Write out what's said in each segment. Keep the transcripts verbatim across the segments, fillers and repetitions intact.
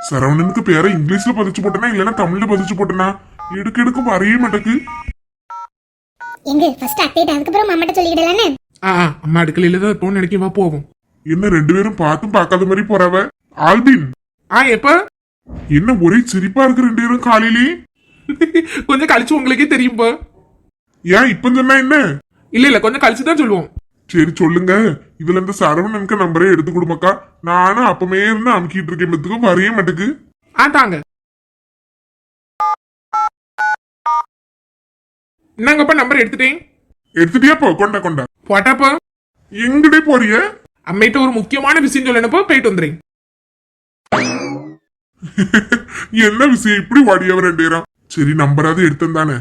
சரவணனுக்கு பேரை இங்கிலீஷ்ல பதிச்சு போட்டனா இல்லனா தமிழ்ல பதிச்சு போட்டனா எடுக்க எடுக்க வரைய மாட்டேக்கு. எங்க ஃபர்ஸ்ட் அப்டேட் அதுக்கு அப்புறம் அம்மாட்ட சொல்லிடலானே. ஆ அம்மா அடுக்கலையில தான் போன் நினைக்கவா போவோம். என்ன ரெண்டு பேரும் பார்த்தும் பார்க்காத மாதிரி போறவ. ஆல்பின். ஆ எப்ப என்ன ஒரே சிரிப்பா இருக்கு ரெண்டு பேரும் காலையிலே. கொஞ்சம் கழிச்சு உங்களுக்கே தெரியும்பா. ஏன் இப்ப சொன்னா என்ன? இல்ல இல்ல கொஞ்சம் கழிச்சு தான் சொல்லுவோம். சரி சொல்லுங்க. இதுல இருந்து சரவணனுக்கு நம்பரே எடுத்து கொடுமாக்கா. நானும் அப்பமே இருந்து அமுக்கிட்டு இருக்கேன். பத்துக்கும் வரைய மாட்டேக்கு. ஆ தாங்க. என்னங்கப்பா நம்பர் எடுத்துட்டேன். எடுத்துட்டியாப்பா? கொண்டா கொண்டா. போட்டாப்பா. எங்கடே போறிய? அம்மையிட்ட ஒரு முக்கியமான விஷயம் சொல்லணுப்பா, போயிட்டு வந்துறேன். என்ன விஷயம் இப்படி வாடியவர் ரெண்டு பேரும்? சரி நம்பராது எடுத்தானே.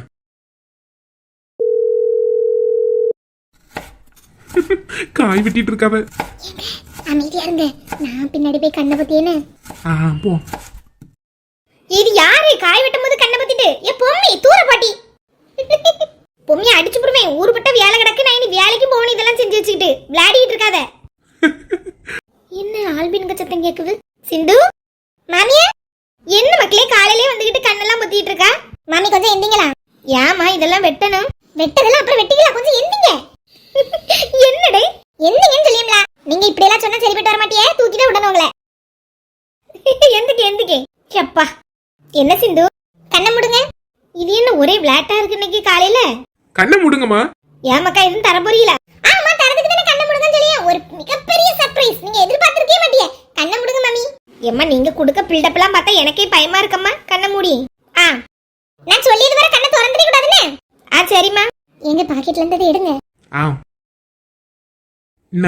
காய் வெட்டிட்டு இருக்காவ. அமைதியா இருங்க, நான் பின்னாடி போய் கண்ணை பத்தியேன்னு. ஆ போ. இது யாரு காய் வெட்டும் போது கண்ணை பத்திட்டு? ஏ பொம்மி தூர பாட்டி. பொம்மியை அடிச்சு போடுவேன். ஊருப்பட்ட வேலை கிடக்கு, நான் இனி வேலைக்கு போகணும். இதெல்லாம் செஞ்சு வச்சுக்கிட்டு விளையாடிட்டு இருக்காத. என்ன ஆல்பின்க சத்தம் கேக்குது? சிந்து மாமியா என்ன மக்களே காலையிலே வந்துகிட்டு கண்ணெல்லாம் பத்திட்டு இருக்கா? மாமி கொஞ்சம் எந்திங்களா? ஏமா இதெல்லாம் வெட்டணும்? வெட்டதெல்லாம் அப்புறம் வெட்டிக்கலாம், கொஞ்சம் எந்திங்க. என்னடே எந்திங்கன்னு சொல்லியம்ல. நீங்க இப்படி எல்லாம் சொன்னா சரிப்பட்டு வர மாட்டியே, தூக்கிட்டே விடணும் உங்களை. எந்துக்கு எந்துக்கு அப்பா. என்ன சிந்து கண்ணை முடுங்க. இது என்ன ஒரே விளையாட்டா இருக்கு இன்னைக்கு காலையில? கண்ணை முடுங்கம்மா. ஏமாக்கா எதுவும் தர போறீங்களா? ஆமா தரதுக்கு தானே கண்ணை முடுங்கன்னு சொல்லியா. ஒரு மிகப்பெரிய சர்ப்ரைஸ், நீங்க எதிர்பார்த்திருக்கே மாட்டியே. கண்ணை முடுங்க மாமி. ஏம்மா நீங்க கொடுக்க பில்டப் எல்லாம் பார்த்தா எனக்கே பயமா இருக்கம்மா. கண்ணை மூடி. ஆ நான் சொல்லியது வர கண்ணை திறந்துட கூடாதுன்னு. ஆ சரிம்மா. எங்க பாக்கெட்ல இருந்து எடுங்க. ஆ என்ன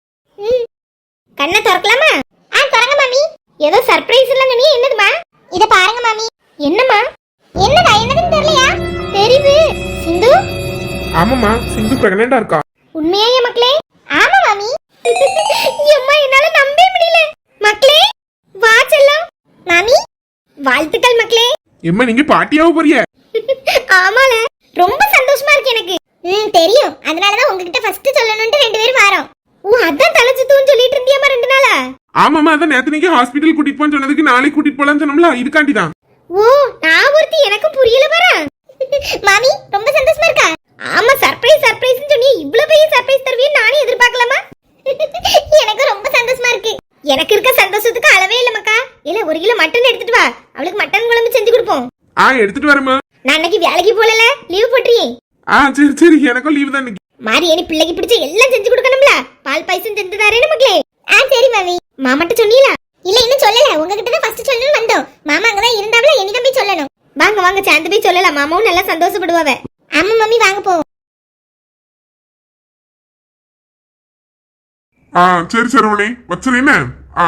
கண்ணை திறக்கலாமா? ஆ திறங்க மாமி. ஏதோ சர்ப்ரைஸ் எல்லாம் சொன்னீங்க, என்னதுமா? இத பாருங்க மாமி. என்னம்மா? என்னடா என்னதுன்னு தெரியலையா? தெரியுது சிந்து. ஆமாம்மா, சிந்து பிரெக்னெண்டா இருக்கா. உண்மையா என் மக்களே? ஆமா மாமி. அம்மா என்னால நம்பவே முடியல. மக்களே வா செல்லம். மாமி வாழ்த்துக்கள் மக்களே. எம்மா நீங்க பாட்டியாவ போறிய? ஆமால, ரொம்ப சந்தோஷமா இருக்கு எனக்கு. ம் தெரியும், அதனால தான் உங்ககிட்ட ஃபர்ஸ்ட் சொல்லணும்னு ரெண்டு பேரும் வாரோம். ஓ அதான் தலைச்சுத்துன்னு சொல்லிட்டு இருந்தியாமா ரெண்டு நாளா? ஆமாம்மா, அதான் நேத்து நீங்க ஹாஸ்பிடல் கூட்டிட்டு போன்னு சொன்னதுக்கு நாளைக்கு கூட்டிட்டு போலாம்னு சொன்னோம்ல, இதுக்காண்டி தான். ஓ நான் ஒருத்தி எனக்கு புரியல பாரு. மாமி ரொம்ப சந்தோஷமா இருக்கா? ஆமா சர்ப்ரைஸ் சர்ப்ரைஸ்னு சொன்னி இவ்ளோ பெரிய சர்ப்ரைஸ் தருவீன்னு நானே எதிர்பார்க்கலாமா? எனக்கு ரொம்ப சந்தோஷமா இருக்கு. எனக்கு இருக்க சந்தோஷத்துக்கு அளவே இல்ல மக்கா. இல்ல ஒரு கிலோ மட்டன் எடுத்துட்டு வா, அவளுக்கு மட்டன் குழம்பு செஞ்சு கொடுப்போம். ஆ எடுத்துட்டு வரேம்மா. நான் அன்னைக்கு வேலைக்கு போகல, லீவ் போட்டுறியே. ஆ சரி சரி, எனக்கும் லீவு தான் இன்னைக்கு. மாரி ஏனி பிள்ளைக்கு பிடிச்ச எல்லாம் செஞ்சு கொடுக்கணும்ல. பால் பாயசம் செஞ்சு தரேன்னு மக்களே. ஆ சரி மாமி. மாமாட்ட சொன்னீங்களா? இல்ல இன்னும் சொல்லல, உங்ககிட்ட தான் ஃபர்ஸ்ட் சொல்லணும் வந்தோம். மாமா அங்க தான் இருந்தாவல, என்னிடம் போய் சொல்லணும். வாங்க வாங்க சேர்ந்து போய் சொல்லலாம், மாமாவும் நல்லா சந்தோஷப்படுவாவ. ஆமா மம்மி வாங்க போ. ஆ சரி சரவணே வச்சறேனே. ஆ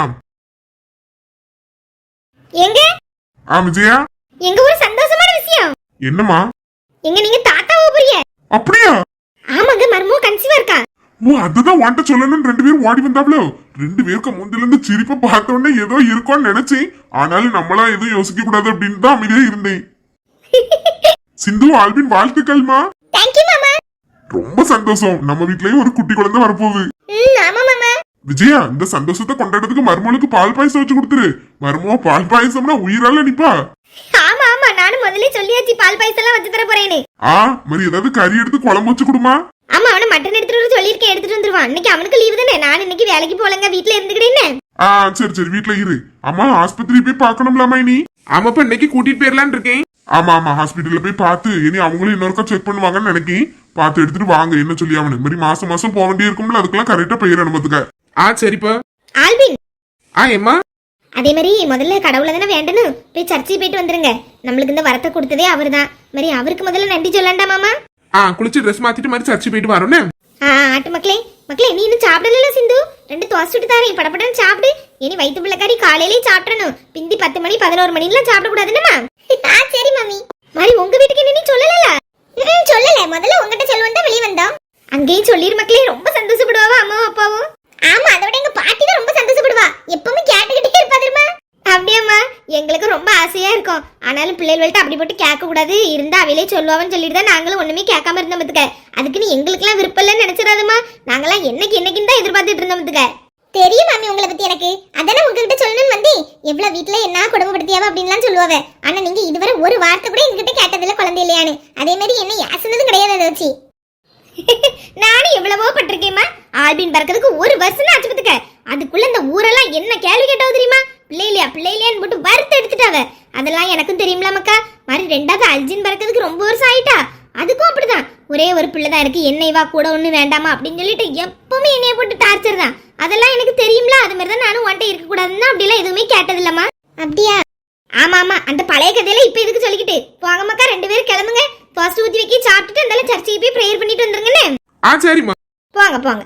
எங்க? ஆ விஜயா. எங்க ஒரு சந்தோஷமான விஷயம். என்னம்மா? எங்க நீங்க தாத்தாவ போறிய? அப்படியா? ஆமாங்க, மர்மோ கன்சீவா இருக்கா. ஓ அதுதான் வாண்ட சொல்லணும்னு ரெண்டு பேரும் ஓடி வந்தாவளோ. ரெண்டு பேருக்கு முந்தில இருந்து சிரிப்பை பார்த்த உடனே ஏதோ இருக்கும்னு நினைச்சேன். ஆனாலும் நம்மளா எதுவும் யோசிக்க கூடாது அப்படின்னு தான் அமைதியா இருந்தேன். சிந்து ஆல்பின் வாழ்த்துக்கள்மா. தேங்க்யூ மாமா. ரொம்ப சந்தோஷம். நம்ம வீட்லயும் ஒரு குட்டி குழந்தை வரப்போகுது. ம் ஆமா மாமா. விஜயா இந்த சந்தோஷத்தை கொண்டாடுறதுக்கு மருமகளுக்கு பால் பாயசம் வச்சு கொடுத்துரு. மருமோ பால் பாயசம்னா உயிரால நிப்பா. ஆமா ஆமா, நானும் முதல்ல சொல்லியாச்சு பால் பாயசம் எல்லாம் வச்சு தர போறேன்னு. ஆ மாதிரி ஏதாவது கறி எடுத்து குழம்பு வச்சு கொடுமா. ஆமா அவனை மட்டன் எடுத்துட்டு வர சொல்லிருக்கேன், எடுத்துட்டு வந்துருவான். இன்னைக்கு அவனுக்கு லீவு தானே, நான் இன்னைக்கு வேலைக்கு போலங்க, வீட்ல இருந்துக்கிட்டேன்னு. ஆ சரி சரி வீட்ல இரு. அம்மா ஆஸ்பத்திரி போய் பாக்கணும்லாமா இனி? ஆமாப்பா, இன்னைக்கு கூட்டிட்டு போயிடலான்னு இருக்கேன். ஆமா ஆமா ஹாஸ்பிட்டல்ல போய் பார்த்து இனி அவங்களும் இன்னொருக்கா செக் பண்ணுவாங்கன்னு நினைக்கேன். பார்த்து எடுத்துட்டு வாங்க. என்ன சொல்லி அவனு மாதிரி மாசம் மாசம் போக வேண்டிய இருக்கும்ல, அதுக்கெல்லாம் கரெக்டா பெயர் அனுமதிக்க. ஆ சரிப்பா. ஆல்பின். ஆ எம்மா. அதே மாதிரி முதல்ல கடவுளை தானே வேண்டணும், போய் சர்ச்சை போயிட்டு வந்துருங்க. நம்மளுக்கு இந்த வரத்தை கொடுத்ததே அவர் தான். மாதிரி அவருக்கு முதல்ல நன்றி சொல்லண்டா மாமா. ஆ குளிச்சு ட்ரெஸ் மாத்திட்டு மாதிரி சர்ச்சை போயிட்டு வரோன்னே. ஆ ஆட்டு மக்களே மக்களே, நீ இன்னும் சாப்பிடல சிந்து. ரெண்டு தோசை சுட்டு தாரேன், படப்படன்னு சாப்பிடு. இனி வயிற்று பிள்ளைக்காரி காலையிலேயே சாப்பிடணும். பிந்தி பத்து மணி பதினோரு மணிலாம் சாப்பிட கூடாதுன்னமா. ஆ சரி மாமி. மாதிரி உங்க வீட்டுக்கு என்ன நீ சொல்லல? சொல்லல, முதல்ல உங்ககிட்ட சொல்லுவோம் தான் வெளியே வந்தோம். அங்கேயும் சொல்லிரு மக்களே, ரொம்ப சந்தோஷப்படுவாவா அம்மாவும் அப்பாவும். ஆமா அதோட எங்க பாட்டி தான் ரொம்ப சந்தோஷப்படுவா, எப்பவுமே கேட்டுக்கிட்டே இருப்பா தெரியுமா. அப்படியாம்மா, எங்களுக்கு ரொம்ப ஆசையா இருக்கும். ஆனாலும் பிள்ளைகள்கிட்ட அப்படி போட்டு கேட்க கூடாது, இருந்தா அவையிலே சொல்லுவான்னு சொல்லிட்டு தான் நாங்களும் ஒண்ணுமே கேட்காம இருந்தோம் பத்துக்க. அதுக்குன்னு எங்களுக்கு எல்லாம் விருப்பம் இல்லைன்னு நினைச்சிடாதுமா. நாங்கெல்லாம் என்னைக்கு என்னைக்குன்னு தான் எதிர்பார்த்துட்டு இருந்தோம் பத்துக்க. தெரியும் மாமி உங்களை பத்தி எனக்கு அதானே உங்ககிட்ட சொல்லணும்னு வந்தேன். எவ்வளவு வீட்டுல என்ன குடும்பப்படுத்தியாவோ அப்படின்லாம் சொல்லுவாவ. ஆனா நீங்க இதுவரை ஒரு வார்த்தை கூட எங்ககிட்ட கேட்டதில்ல குழந்தை இல்லையான்னு. அதே மாதிரி என்ன யாசனதும் கிடையாது அதை வச்சு. நானும் எவ்வளவோ பட்டிருக்கேம்மா. ஆல்பின் பறக்கிறதுக்கு ஒரு வருஷம் ஆச்சு பத்துக்க. அதுக்குள்ள இந்த ஊரெல்லாம் என்ன கேள்வி கேட்டவ தெரியுமா? பிள்ளை இல்லையா பிள்ளை இல்லையான்னு போட்டு வறுத்து எடுத்துட்டாவ. அதெல்லாம் எனக்கும் தெரியும்ல மக்கா. மாதிரி ரெண்டாவது அல்ஜின் பறக்கிறதுக்கு ரொம்ப வருஷம் ஆயிட்டா. அதுக்கும் அப்படிதான். ஒரே ஒரு பிள்ளை தான் இருக்கு, என்னைவா கூட ஒண்ணு வேண்டாமா அப்படின்னு சொல்லிட்டு எப்பவுமே என்னைய போட்டு டார்ச்சர் தான். அதெல்லாம் எனக்கு தெரியும்ல. அது மாதிரி தான் நானும் ஒன்ட்ட இருக்க கூடாதுன்னா அப்படிலாம் எதுவுமே கேட்டதில்லம்மா. அப்படியா? ஆமா ஆமா, அந்த பழைய கதையில இப்ப எதுக்கு சொல்லிக்கிட்டு போங்க மக்கா. ரெண்டு பேரும் கிளம்புங்க. ஃபர்ஸ்ட் ஊத்தி வைக்கி சாப்பிட்டுட்டு அந்த சர்ச்சைக்கு போய் ப்ரேயர் பண்ணிட்டு வந்துருங்கன்னு. ஆ சரிம்மா. போங்க போங்க.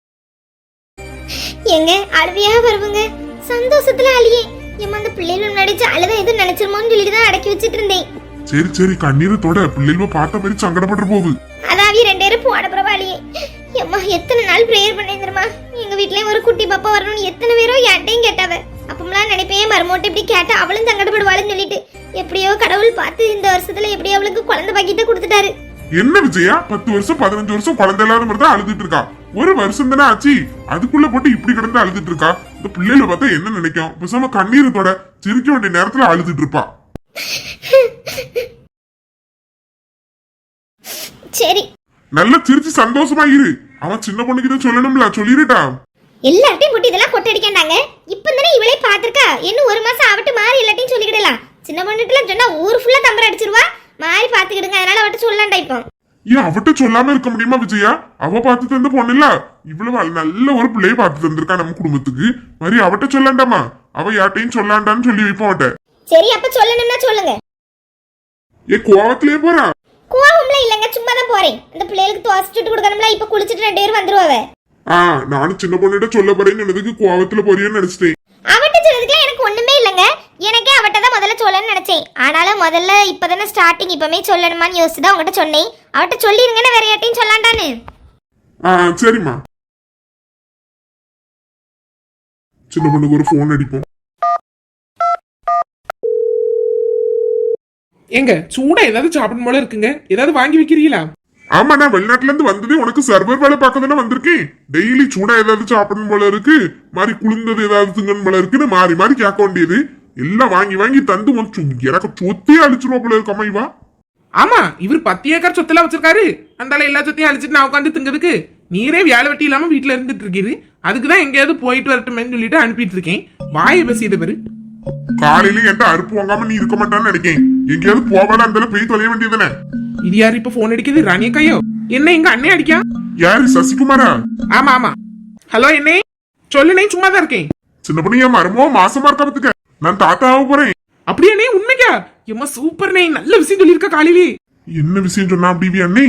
எங்க அழுவியா வருவங்க. சந்தோஷத்துல அழியே. ஏமா அந்த பிள்ளைகள் முன்னாடி அழுத எதுவும் நினைச்சிருமோன்னு சொல்லிட்டு தான் அடக்கி வச்சிட்டு இருந்தேன். சரி சரி கண்ணீரத்தோட பிள்ளைகள் பார்த்த மாதிரி சங்கடப்பட்டு போகுது. அதாவி ரெண்டு பேரும் போன பரவாயில்லையே. ஏம்மா எத்தனை நாள் ப்ரேயர் பண்ணேன் தெரியுமா? எங்க வீட்லயும் ஒரு குட்டி பாப்பா வரணும்னு எத்தனை பேரோ யார்ட்டையும் கேட்டாவ. அப்பமெல்லாம் நினைப்பேன் மருமோட்டை இப்படி கேட்டா அவளும் சங்கடப்படுவாளுன்னு சொல்லிட்டு எப்படியோ கடவுள் பார்த்து இந்த வருஷத்துல எப்படியோ அவளுக்கு குழந்தை பாக்கிட்ட கொடுத்துட்டாரு. என்ன விஜயா, பத்து வருஷம் பதினஞ்சு வருஷம் குழந்தை இல்லாத மாதிரி தான் அழுதுட்டு இருக்கா. ஒரு வருஷம் தானே ஆச்சு, அதுக்குள்ள போட்டு இப்படி கிடந்து அழுதுட்டு இருக்கா. இந்த பிள்ளைகளை பார்த்தா என்ன நினைக்கும்? பேசாம கண்ணீரத்தோட சிரிக்க வேண்டிய நேரத்துல அழுதுட்டு இருப்பா. சரி நல்லா சிரிச்சு சந்தோஷமா இரு. அவன் சின்ன பொண்ணுகிட்ட சொல்லணும்ல, சொல்லிருட்டா. எல்லார்ட்டையும் போட்டு இதெல்லாம் கொட்டடிக்காண்டாங்க. இப்ப தானே இவளே பாத்திருக்கா. இன்னும் ஒரு மாசம் ஆவட்டு மாறி எல்லாத்தையும் சொல்லிக்கிடலாம். சின்ன பொண்ணுட்டுலாம் சொன்னா ஊர் ஃபுல்லா தம்பர அடிச்சிருவா. மாறி பாத்துக்கிடுங்க. அதனால அவட்ட சொல்லலாம்டா. இப்போ ஏன் அவட்ட சொல்லாம இருக்க முடியுமா விஜயா? அவ பார்த்து தந்த பொண்ணு இல்ல, இவ்வளவு நல்ல ஒரு பிள்ளைய பார்த்து தந்திருக்கா நம்ம குடும்பத்துக்கு. மாதிரி அவட்ட சொல்லாண்டாமா, அவ யார்ட்டையும் சொல்லாண்டான்னு சொல்லி வைப்போம் அவட்ட. சரி அப்ப சொல்லணும்னா சொல்லுங்க. ஏ கோவத்திலே போறா? கோவம்ல இல்லங்க, சும்மா தான் போறேன். அந்த பிள்ளைகளுக்கு தோசை சுட்டு கொடுக்கணும்ல. இப்ப குளிச்சிட்டு ரெண்டு பேரும் வந்துருவாவ. ஆ நானும் சின்ன பொண்ணுகிட்ட சொல்ல போறேன்னு எனக்கு கோவத்துல போறியன்னு நினைச்சிட்டேன். அவட்ட சொல்றதுக்கு எனக்கு ஒண்ணுமே இல்லங்க. எனக்கே அவட்ட தான் முதல்ல சொல்லணும்னு நினைச்சேன். ஆனாலும் முதல்ல இப்பதானே ஸ்டார்டிங், இப்பமே சொல்லணுமான்னு யோசிச்சு தான் உங்ககிட்ட சொன்னேன். அவட்ட சொல்லிருங்கன்னு வேற யார்ட்டையும் சொல்லாண்டான்னு. ஆ சரிம்மா. சின்ன பொண்ணுக்கு ஒரு போன் அடிப்போம். எங்க சூடா ஏதாவது சாப்பிடணும் போல இருக்குங்க. ஏதாவது வாங்கி வைக்கிறீங்களா? ஆமா, நான் வெளிநாட்டுல இருந்து வந்ததே உனக்கு சர்வர் வேலை பார்க்க தானே வந்திருக்கேன். டெய்லி சூடா ஏதாவது சாப்பிடணும் போல இருக்கு, மாதிரி குளிர்ந்தது ஏதாவது திங்கணும் போல இருக்குன்னு மாறி மாறி கேட்க வேண்டியது. எல்லாம் வாங்கி வாங்கி தந்து எனக்கு சொத்தே அழிச்சிருவா போல இருக்கம்மா இவா. ஆமா, இவர் பத்து ஏக்கர் சொத்தெல்லாம் வச்சிருக்காரு. அந்தால எல்லா சொத்தையும் அழிச்சிட்டு நான் உட்காந்து திங்கிறதுக்கு நீரே வேலை வெட்டி இல்லாம வீட்டுல இருந்துட்டு இருக்கீரு. அதுக்குதான் எங்கேயாவது போயிட்டு வரட்டுமேன்னு சொல்லிட்டு அனுப்பிட்டு இருக்கேன். வாயை பேசியது பேரு. காலையில என்கிட்ட அறுப்பு வாங்காம நீ இருக்க மாட்டான்னு நினைக்கேன். எங்கேயாவது போவாத அந்த போய் தொலைய வேண்டியதுதானே. இது யாரு இப்ப போன் அடிக்குது? ராணியக்காயோ? என்ன எங்க அண்ணே அடிக்கா? யாரு? சசிகுமாரா? ஆமா ஆமா. ஹலோ என்னே சொல்லுனே, சும்மா தான் இருக்கேன். சின்ன பொண்ணு என் மருமோ மாசமா இருக்க பத்துக்க. நான் தாத்தா ஆக போறேன். அப்படியே உண்மைக்கா? எம்மா சூப்பர் நே, நல்ல விஷயம் சொல்லியிருக்க காலையிலே. என்ன விஷயம் சொன்னா அப்படி அண்ணே?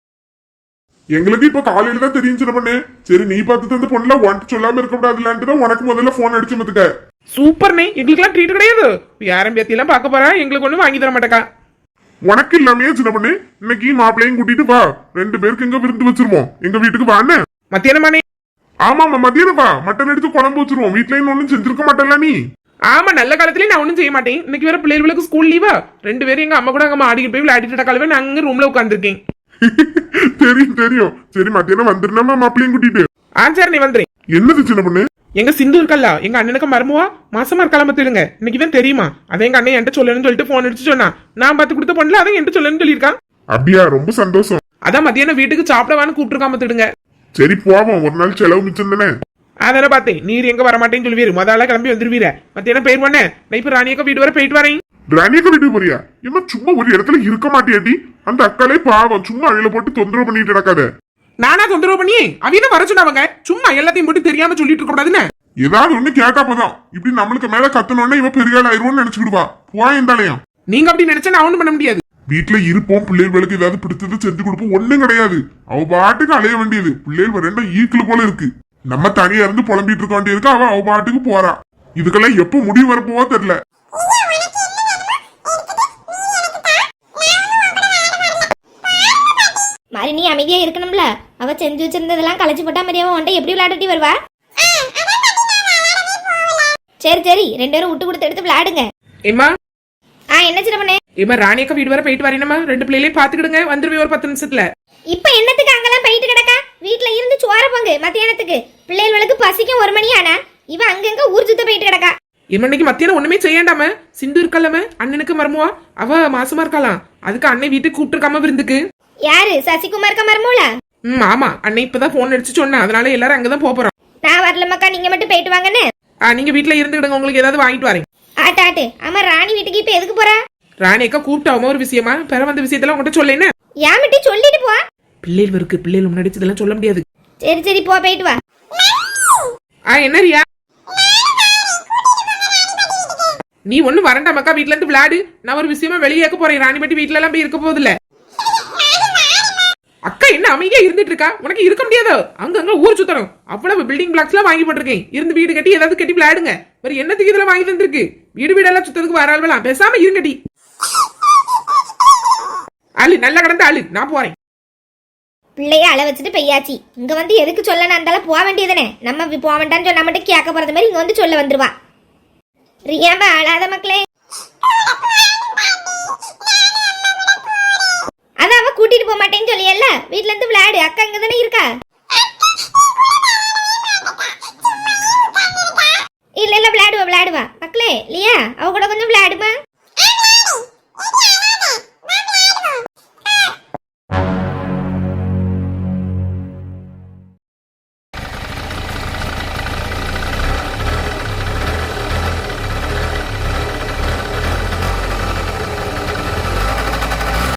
எங்களுக்கு இப்ப காலையில தான் தெரியும் சின்ன பொண்ணு. சரி நீ பார்த்து தந்த பொண்ணுல ஒன்ட்டு சொல்லாம இருக்க கூடாதுலான்ட்டு தான் உனக்கு முதல்ல போன் அடிச்சு மத்துக்க. சூப்பர் நே, எங்களுக்கு எல்லாம் ட்ரீட் கிடையாது. யாரும் பேத்தி எல்லாம் பார்க்க போறா, எங்களுக்கு ஒண்ணு வாங்கி தர மாட்டேக்கா. உனக்கு இல்லாமையே சின்ன பொண்ணு, இன்னைக்கு மாப்பிள்ளையும் கூட்டிட்டு வா. ரெண்டு பேருக்கு எங்க விருந்து வச்சிருவோம். எங்க வீட்டுக்கு வான்னு. மத்தியானமானே? ஆமாமா மத்தியானம் வா. மட்டன் எடுத்து குழம்பு வச்சிருவோம். வீட்லயும் ஒண்ணும் செஞ்சிருக்க மாட்டேன்ல நீ. ஆமா, நல்ல காலத்திலயும் நான் ஒண்ணும் செய்ய மாட்டேன். இன்னைக்கு வேற பிள்ளைகளுக்கு ஸ்கூல் லீவா. ரெண்டு பேரும் எங்க அம்மா கூட அங்க மாடிக்கு போய் விளையாடிட்டு காலவே நான் அங்க ரூம்ல உட்காந்துருக்கேன். தெரியும் தெரியும். சரி மத்தியானம் வந்துருந்தா மாப்பிள்ளையும் கூட்டிட்டு. ஆ சரி, நீ வந்துறேன். என்னது சின்ன பொண்ணு? எங்க சிந்து இருக்கல்ல, எங்க அண்ணனுக்கு மருமவா மாசமா இருக்கலாம் பத்திடுங்க. இன்னைக்கு தான் தெரியுமா. அதே எங்க அண்ணன் என்கிட்ட சொல்லணும்னு சொல்லிட்டு போன் அடிச்சு சொன்னா. நான் பார்த்து கொடுத்த பொண்ணுல அதை என்கிட்ட சொல்லணும்னு சொல்லியிருக்கான். அப்படியா? ரொம்ப சந்தோஷம். அதான் மத்தியானம் வீட்டுக்கு சாப்பிடவான்னு கூப்பிட்டுருக்காம பத்திடுங்க. சரி போவோம், ஒரு நாள் செலவு மிச்சம் தானே. அதான பார்த்தேன். நீர் எங்க வரமாட்டேன்னு சொல்லுவீரு, முதல்ல கிளம்பி வந்துருவீர. மத்தியானம் பெயர் பண்ண நான் இப்ப ராணியக்கா வீடு வர போயிட்டு வரேன். ராணியக்கா வீட்டுக்கு போறியா? ஏமா சும்மா ஒரு இடத்துல இருக்க மாட்டியாட்டி? அந்த அக்காலே பாவம், சும்மா அழில போட்டு தொந்தரவு பண்ணிட்டு நடக்காத. நானா தொந்தரவு பண்ணி அவன வர சொன்னவங்க? சும்மா எல்லாத்தையும் போட்டு தெரியாம சொல்லிட்டு இருக்க கூடாதுன்னு. ஏதாவது ஒண்ணு கேட்டா போதும், இப்படி நம்மளுக்கு மேல கத்தணும்னா இவ பெரிய ஆள் ஆயிருவோம்னு நினைச்சுக்கிடுவா. போயந்தாலயம் நீங்க அப்படி நினைச்சா நான் ஒண்ணும் பண்ண முடியாது. வீட்டுல இருப்போம், பிள்ளைகளுக்கு ஏதாவது பிடிச்சது செஞ்சு கொடுப்போம். ஒண்ணும் கிடையாது. அவ பாட்டுக்கு அலைய வேண்டியது. பிள்ளைகள் ரெண்டும் ஈக்குல போல இருக்கு. நம்ம தனியா இருந்து புலம்பிட்டு இருக்க வேண்டியிருக்கு. அவ அவ பாட்டுக்கு போறா. இதுக்கெல்லாம் எப்ப முடிவு வரப்போவோ தெரியல. மாதிரி நீ அமைதியா இருக்கணும்ல. அவ செஞ்சு வச்சிருந்ததெல்லாம் களைச்சு போட்டா மாதிரியாவ உன்ட்ட எப்படி விளையாடிட்டு வருவா? சரி சரி, ரெண்டு பேரும் விட்டு கொடுத்து எடுத்து விளையாடுங்க. ஏமா? ஆ என்ன சின்ன பண்ணே? ஏமா ராணியக்கா வீடு வர போயிட்டு வரேனம்மா. ரெண்டு பிள்ளைகளையும் பாத்துக்கிடுங்க. வந்துருவே ஒரு பத்து நிமிஷத்துல. இப்ப என்னத்துக்கு அங்கெல்லாம் போயிட்டு கிடக்கா? வீட்ல இருந்து சோற பங்கு மத்தியானத்துக்கு. பிள்ளைகளுக்கு பசிக்கும் ஒரு மணி ஆனா இவ அங்கங்க ஊர் சுத்த போயிட்டு கிடக்கா. இன்னைக்கு மத்தியானம் ஒண்ணுமே செய்யாண்டாம சிந்து இருக்கலாம அண்ணனுக்கு மருமவா அவ மாசமா இருக்கலாம். அதுக்கு அண்ணன் வீட்டுக்கு கூப்பிட்டுருக்காம விருந்துக்கு. யாரு சசிகுமாருக்கு மருமூளா? ம் ஆமா, அண்ணன் இப்பதான் போன் அடிச்சு சொன்னா, அதனால எல்லாரும் அங்கதான் போறோம். நான் வரலமாக்கா, நீங்க மட்டும் போயிட்டு வாங்கன்னு. நீங்க வீட்டுல இருந்துக்கிடுங்க, உங்களுக்கு ஏதாவது வாங்கிட்டு வரேன். ஆட்டு ஆட்டு. ஆமா ராணி வீட்டுக்கு இப்ப எதுக்கு போறா? ராணி அக்கா கூப்பிட்டாவமா ஒரு விஷயமா, பெற வந்த விஷயத்தெல்லாம் உங்ககிட்ட சொல்லேன்னு. யாமிட்டி சொல்லிட்டு போ. பிள்ளைகள் இருக்கு, பிள்ளைகள் முன்னாடி இதெல்லாம் சொல்ல முடியாது. சரி சரி போ, போயிட்டு வா. ஆ என்ன ரியா, நீ ஒண்ணு வரண்டாமக்கா, வீட்டுல இருந்து விளையாடு. நான் ஒரு விஷயமா வெளியே போறேன். ராணி பட்டி வீட்டுல எல்லாம் போய் இருக்க போகுது இல்ல. அக்கா என்ன அமைதியா இருந்துட்டு இருக்கா? உனக்கு இருக்க முடியாதோ? அங்க அங்க ஊர் சுத்தணும். அவ்வளவு பில்டிங் பிளாக்ஸ் எல்லாம் வாங்கி போட்டிருக்கேன். இருந்து வீடு கட்டி ஏதாவது கட்டி விளையாடுங்க. ஒரு என்னத்துக்கு இதெல்லாம் வாங்கி தந்திருக்கு? வீடு வீடெல்லாம் சுத்ததுக்கு வர ஆள்வலாம். பேசாம இருங்கடி. ஆளு நல்லா கடந்த ஆளு, நான் போறேன். பிள்ளைய அள வச்சுட்டு பெய்யாச்சி. இங்க வந்து எதுக்கு சொல்லணும்? அந்தாலும் போக வேண்டியதானே. நம்ம போக வேண்டாம்னு சொன்னா மட்டும் கேட்க போறது மாதிரி இங்க வந்து சொல்ல வந்துருவா. ரியாம்பா அழாத மக்களே. அதான் அவ கூட்டிட்டு போக மாட்டேன்னு சொல்லியல்ல. வீட்ல இருந்து விளையாடு, அக்கா இங்க தானே இருக்கா. இல்ல இல்ல விளையாடுவா விளையாடுவா. மக்களே லியா அவ கூட கொஞ்சம் விளையாடுமா.